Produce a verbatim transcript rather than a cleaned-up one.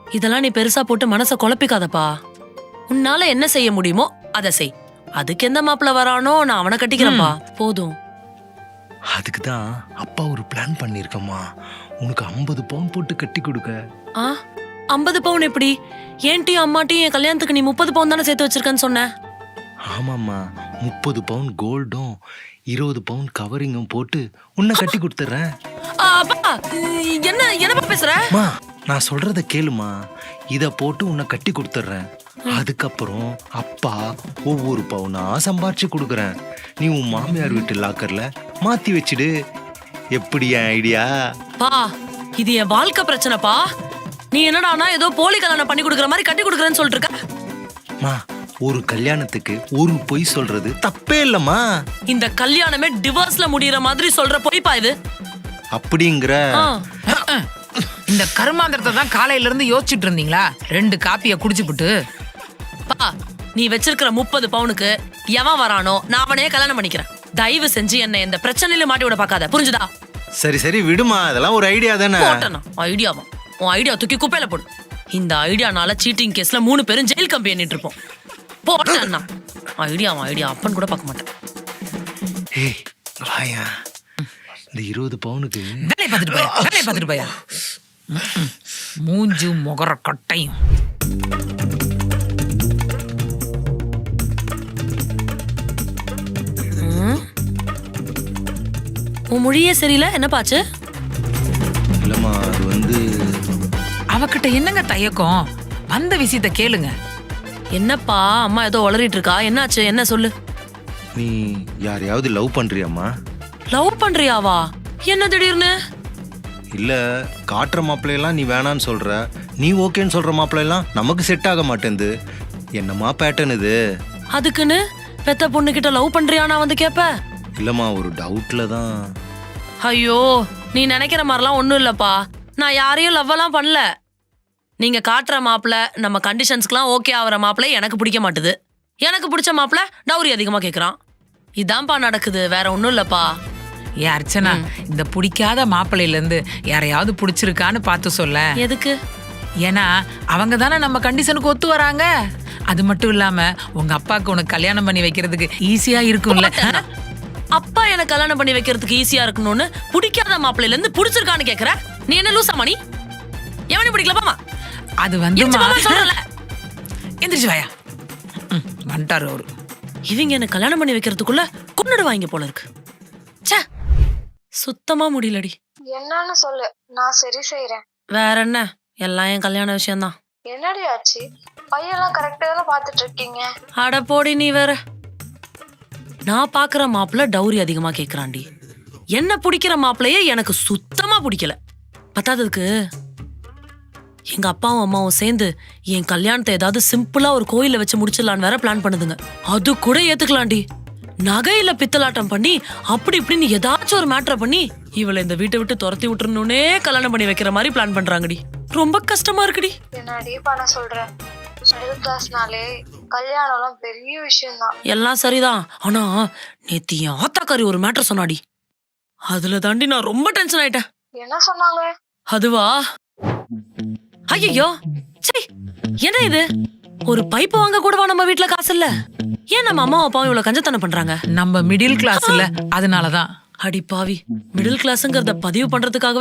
இதெல்லாம் நீ பெருசா போட்டு மனச குழப்பிக்காதப்பா. உன்னால என்ன செய்ய முடியுமோ அதை செய். அதுக்கு எந்த மாப்பிள்ள வரானோ நான் அவனை கட்டிக்கிறேன்ப்பா. போதும். அதுக்கு தான் அப்பா ஒரு பிளான் பண்ணிருக்கம்மா. உனக்கு ஐம்பது பவுன் போட்டு கட்டி கொடுக்க. ஆ ஐம்பது பவுன் எப்படி? ஏன்ட்டியும் அம்மாட்டியும் என் கல்யாணத்துக்கு நீ முப்பது பவுன் தானே சேர்த்து வச்சிருக்கன்னு சொன்ன. ஆமாம்மா, முப்பது பவுன் கோல்டும் இருபது பவுன் கவரிங்கும் போட்டு உன்னை கட்டி கொடுத்துறேன். அப்பா என்ன என்னப்பா பேசுற? மா, நான் சொல்றத கேளுமா. இத போட்டு உன்னை கட்டி கொடுத்துறேன். அதுக்கப்புறம் அப்பா ஒவ்வொரு பவுனா சம்பாரிச்சு கொடுக்குறேன். நீ உன் மாமியார் வீட்டு லாக்கர்ல மாத்தி வச்சிடு. எப்படி ஐடியா? பா இது என் வாழ்க்கை பிரச்சனைப்பா. நீ என்னடானா ஏதோ போலி கல்யாணம் பண்ணி கொடுக்குற மாதிரி கட்டி கொடுக்குறேன்னு சொல்லிட்டு இருக்க. மா, ஒரு கல்யாணத்துக்கு ஒரு பொய் சொல்றது தப்பே இல்லம்மா. இந்த கல்யாணமே டிவோர்ஸ்ல முடியற மாதிரி சொல்ற பொய்ப்பா இது. அப்படிங்கிற இந்த கருமாந்திரத்தை தான் காலையில இருந்து யோசிச்சுட்டு இருந்தீங்களா? ரெண்டு காப்பிய குடிச்சுப்புட்டு. பா நீ வச்சிருக்கிற முப்பது பவுனுக்கு எவன் வரானோ நான் அவனையே கல்யாணம் பண்ணிக்கிறேன். தயவு செஞ்சு என்ன இந்த பிரச்சனையில மாட்டி விட பாக்காத, புரிஞ்சுதா? சரி சரி விடுமா, அதெல்லாம் ஒரு ஐடியா தானே. ஐடியாவா? உன் ஐடியா தூக்கி குப்பையில போடு. இந்த ஐடியானால சீட்டிங் கேஸ்ல மூணு பேரும் ஜெயில் கம்பி எண்ணிட்டு இருப்போம். போட்டேன்னா ஐடியாவா? ஐடியா அப்பன்னு கூட பார்க்க மாட்டேன். ஏய் வாயா, இந்த இருபது பவுனுக்கு வேலையை பார்த்துட்டு போயா, வேலையை பார்த்துட்டு போயா. மூஞ்சு முகர கட்டையும். உன் மொழியே சரியில்லை, என்ன பாச்சு? இல்லம்மா, அது வந்து அவகிட்ட என்னங்க தயக்கம்? வந்த விஷயத்த கேளுங்க. என்னப்பா அம்மா ஏதோ உளறிட்டு இருக்கா? என்னாச்சு, என்ன சொல்லு. நீ யாரையாவது லவ் பண்றியாம்மா? லவ் பண்றியாவா? என்ன திடீர்னு? இல்ல, காட்டுற மாப்பிள்ளையெல்லாம் நீ வேணான்னு சொல்ற, நீ ஓகேன்னு சொல்ற மாப்பிள்ளையெல்லாம் நமக்கு செட் ஆக மாட்டேங்குது. என்னம்மா பேட்டர்ன் இது? அதுக்குன்னு பெத்த பொண்ணு கிட்ட லவ் பண்றியானா வந்து கேப்ப? இல்லம்மா, ஒரு டவுட்ல தான். ஐயோ நீ நினைக்கிற மாதிரிலாம் ஒண்ணும் இல்லப்பா. நான் யாரையும் லவ் எல்லாம் பண்ணல. நீங்க காட்டுற மாப்பிள்ள நம்ம கண்டிஷன்ஸ்க்குலாம் ஓகே ஆகிற மாப்பிள்ளை எனக்கு பிடிக்க மாட்டுது. எனக்கு பிடிச்ச மாப்பிள்ள டவுரி அதிகமா கேக்குறான். இதான்ப்பா நடக்குது, வேற ஒண்ணும் இல்லப்பா. ஏ அர்ச்சனா, இந்த பிடிக்காத மாப்பிள்ளையில இருந்து யாரையாவது பிடிச்சிருக்கான்னு பார்த்து சொல்ல. எதுக்கு? ஏன்னா அவங்க தானே நம்ம கண்டிஷனுக்கு ஒத்து வராங்க. அது மட்டும் இல்லாம உங்க அப்பாவுக்கு உனக்கு கல்யாணம் பண்ணி வைக்கிறதுக்கு ஈஸியா இருக்கும்ல. அப்பா எனக்கு கல்யாணம் பண்ணி வைக்கிறதுக்கு ஈஸியா இருக்கணும்னு பிடிக்காத மாப்பிள்ளையில இருந்து பிடிச்சிருக்கான்னு கேக்குற? நீ என்ன லூசாமா? நீ எவனே பிடிக்கலப்பாமா? அது வந்து சொல்லல. எந்திரிச்சு வாயா. வந்துட்டாரு அவரு. இவங்க என்ன கல்யாணம் பண்ணி வைக்கிறதுக்குள்ள கொன்னுடுவாங்க போல இருக்கு. ச்சே, சுத்தமா முடியலடி. என்னன்னு சொல்லு, நான் சரி செய்யறேன். வேற என்ன, எல்லாம் என் கல்யாண விஷயம்தான். என்னடி ஆச்சு? பையெல்லாம் கரெக்டா தானே பாத்துட்டு இருக்கீங்க. அட போடி நீ வேற. நான் பாக்குற மாப்பிள்ள டவுரி அதிகமா கேக்குறாண்டி. என்ன பிடிக்கிற மாப்பிள்ளையே எனக்கு சுத்தமா பிடிக்கல. பத்தாததுக்கு எங்க அப்பாவும் அம்மாவும் சேர்ந்து என் கல்யாணத்தை ஏதாவது சிம்பிளா ஒரு கோயில வச்சு முடிச்சிடலான்னு வேற பிளான் பண்ணுதுங்க. அது கூட ஏத்துக்கலாண்டி. நகையில பித்தலாட்டம் பண்ணி அப்படி இப்படின்னு ஏதாச்சும் ஒரு மேட்டரை பண்ணி இவளை இந்த வீட்டை விட்டு துரத்தி விட்டுறணும்னே கல்யாணம் பண்ணி வைக்கிற மாதிரி பிளான் பண்றாங்கடி. ரொம்ப கஷ்டமா இருக்குடி. என்னடி பண்ண சொல்றேன்? மிடில் கிளாஸ்னாலே கல்யாணம் எல்லாம் பெரிய விஷயம் தான். எல்லாம் சரிதான். ஆனா நேத்து என் ஆத்தாக்காரி ஒரு மேட்டர் சொன்னாடி. அதுல தாண்டி நான் ரொம்ப டென்ஷன் ஆயிட்டேன். என்ன சொன்னாங்க? அதுவா, ஐயோ சரி, என்ன இது? ஒரு பைப் வாங்க கூடவா நம்ம வீட்டுல காசு இல்ல? ஏன் நம்ம அம்மா அப்பாவும் இவ்வளவு கஞ்சத்தனம் பண்றாங்க? நம்ம மிடில் கிளாஸ் இல்ல, அதனாலதான். அடி பாவி, மிடில் கிளாஸ்ங்கறத பதிவு பண்றதுக்காக